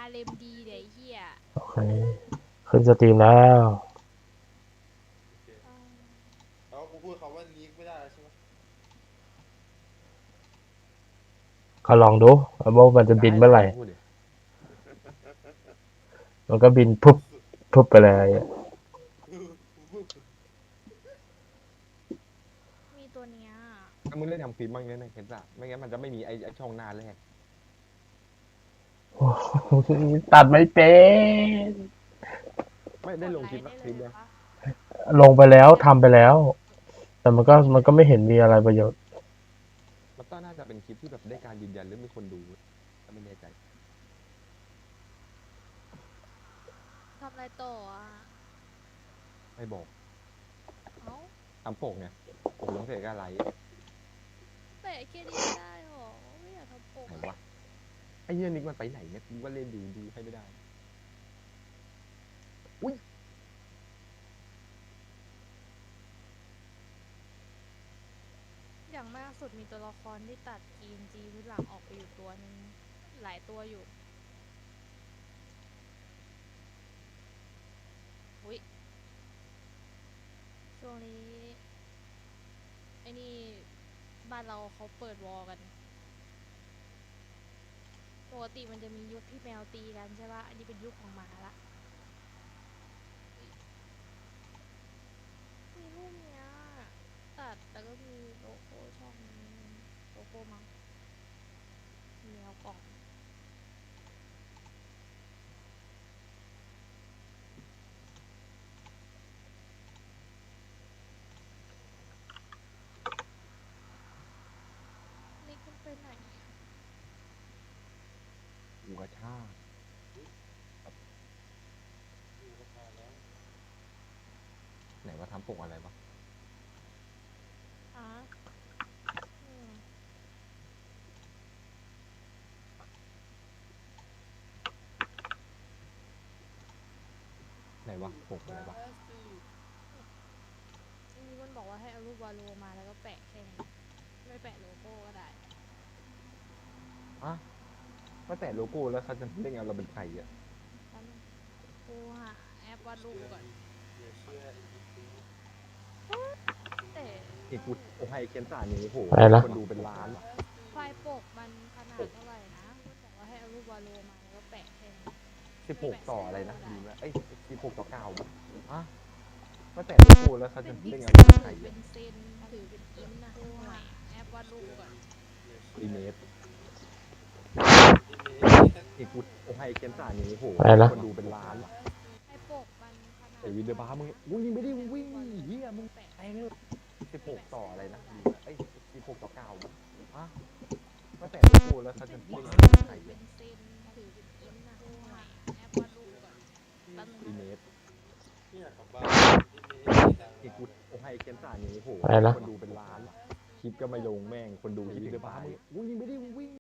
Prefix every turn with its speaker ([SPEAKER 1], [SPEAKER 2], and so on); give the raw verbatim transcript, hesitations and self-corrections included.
[SPEAKER 1] เลมดีเดี๋ยวไอ้เฮีย
[SPEAKER 2] โอเคขึ้นสตรีมแล้ว
[SPEAKER 3] โอเคแล้วกูพูดคำว่าลีกไม่ได้แล้วใช่ไหม
[SPEAKER 2] ก็ลองดูว่ามันจะบินเมื่อไหร่
[SPEAKER 4] พูดดิ
[SPEAKER 2] มันก็บินพุบพุบไปเลยอะ
[SPEAKER 1] มีตัวเนี้ย
[SPEAKER 4] ถ้ามึงเล่นทำคลิปบ้างเนี่ยในเคสอะไม่งั้นมันจะไม่มีไอ้ไอ้ช่องหน้าแรก
[SPEAKER 2] โอ้โหตัดไม่เป็น
[SPEAKER 4] ไม่ได้ลงคลิป
[SPEAKER 1] ก
[SPEAKER 4] นะ
[SPEAKER 1] ด
[SPEAKER 4] คลิป
[SPEAKER 1] ไล
[SPEAKER 4] เนี่ย
[SPEAKER 1] ค์ได้เลยปะ
[SPEAKER 2] ลงไปแล้วทำไปแล้ว แต่มันก็มันก็ไม่เห็นมีอะไรประโยชน์
[SPEAKER 4] มันก็น่าจะเป็นคลิปที่แบบได้การยืนยันหรือมีคนดูก็ไม่แน่ใจ
[SPEAKER 1] ทำอะไรต่ออ่ะ
[SPEAKER 4] ไม่บอก
[SPEAKER 1] เอ้า
[SPEAKER 4] ทำปกไงปกลงเสกอะไร
[SPEAKER 1] แปะแค่นี้ไม่ได้หรอไม่อยากทำปก
[SPEAKER 4] ไหน
[SPEAKER 1] อะ
[SPEAKER 4] วะไอ้เหี้ยนิกมันไปไหนเนี่ยกูว่าเล่นอยู่ดูให้ไม่ได้อุ้ย
[SPEAKER 1] อย่างมากสุดมีตัวละครที่ตัด พี เอ็น จี พื้นหลังออกไปอยู่ตัวนึงหลายตัวอยู่อุ้ยช่วงนี้ไอ้นี่บ้านเราเขาเปิดวอลกันปกติมันจะมียุคที่แมวตีกันใช่ปะอันนี้เป็นยุคของหมาละมีรูปเนี้ยตัดแล้วก็มีโลโก้ช่องโลโก้มั้งมีแมวกล่องนี่คุณไปไหนอะ
[SPEAKER 4] กูกระชาก
[SPEAKER 3] อยู่กับมาแล้ว
[SPEAKER 4] ไหนว่าทำปกอะไรวะ
[SPEAKER 1] อ่ะอืม
[SPEAKER 4] ไหนวะปกอะไรวะ
[SPEAKER 1] อันนี้มันบอกว่าให้เอารูปวาโลมาแล้วก็แปะแค่นี้ไม่แปะโลโก้ก็ได้
[SPEAKER 4] อ่ะก็แต่โลโก้แล้วเขาจะเล่นไงเราเป็นใครอ่ะ
[SPEAKER 1] แป๊บนึงกูหาแอปวาดรูปก่อน
[SPEAKER 3] อย่าเชื่ออีกที
[SPEAKER 1] แต่
[SPEAKER 4] นี่กูโอ้ให้เคนสานี้โห
[SPEAKER 2] อะไรนะ
[SPEAKER 4] คนดูเป็นล้าน
[SPEAKER 1] ไฟล์ปกมันขนาดเท่าไหร่นะมันบอกว่าให้เอารูปวาโลมาแล้วก็แปะแค่นี้
[SPEAKER 4] สิบหกต่ออะไรนะดีไหมเอ้ยสิบหกต่อเก้าอ่ะก็แต่โลโก้แล้วเขา
[SPEAKER 1] เป็
[SPEAKER 4] จะ
[SPEAKER 1] นพิ
[SPEAKER 4] เล่น
[SPEAKER 1] ก
[SPEAKER 4] ไง
[SPEAKER 1] เซ
[SPEAKER 4] เรา
[SPEAKER 1] ล
[SPEAKER 4] เป็น
[SPEAKER 1] ห
[SPEAKER 4] ใคร
[SPEAKER 1] รือเป็
[SPEAKER 4] อ่ะ
[SPEAKER 1] นเซนหรือเป็นอินนะกูหาแอปวาดรูปก่อน
[SPEAKER 3] อย่าเชื่
[SPEAKER 4] อี
[SPEAKER 3] อ
[SPEAKER 4] เมส
[SPEAKER 3] อีเมส
[SPEAKER 4] นี่กูโอ้ให้เคนสานี้โห
[SPEAKER 2] อะไรนะ
[SPEAKER 4] คนดูเป็นล้าน
[SPEAKER 1] ไฟล์ปกมันขนาด
[SPEAKER 4] ไอ้วินเดอร์บาร์มึงมึงยิงไม่ได้มึงวิ่งเฮียมึง
[SPEAKER 1] แปะ
[SPEAKER 4] แทงเลยสิบหกต่ออะไรนะดีไหมเอ้ยสิบหกต่อเก้าอ่ะก็แต่โลโก้แล้วเขาจะ
[SPEAKER 1] เป็น
[SPEAKER 4] เล่
[SPEAKER 1] พิ
[SPEAKER 4] น
[SPEAKER 1] ก
[SPEAKER 4] ไง
[SPEAKER 1] เซ
[SPEAKER 4] เรา
[SPEAKER 1] ล
[SPEAKER 4] เป็น
[SPEAKER 1] ห
[SPEAKER 4] ใค
[SPEAKER 1] รือ
[SPEAKER 4] ร
[SPEAKER 1] เป็น
[SPEAKER 4] อ่ะ
[SPEAKER 1] เซนหรือเป็นอินนะกูหาแอปวาดรูปก่อนแป๊บนึง
[SPEAKER 4] อี
[SPEAKER 1] นะ
[SPEAKER 4] เมส
[SPEAKER 3] ไม่อยากกลับบ้านอีเมส
[SPEAKER 4] นี่กูโอ้ให้เคนสานี้โห
[SPEAKER 2] อะไรนะ
[SPEAKER 4] คนดูเป็นล้าน คลิปก็ไม่ลงแม่งคนดูวินเดอร์บาร์มึงมึงยิงไม่ได้มึงวิ่ง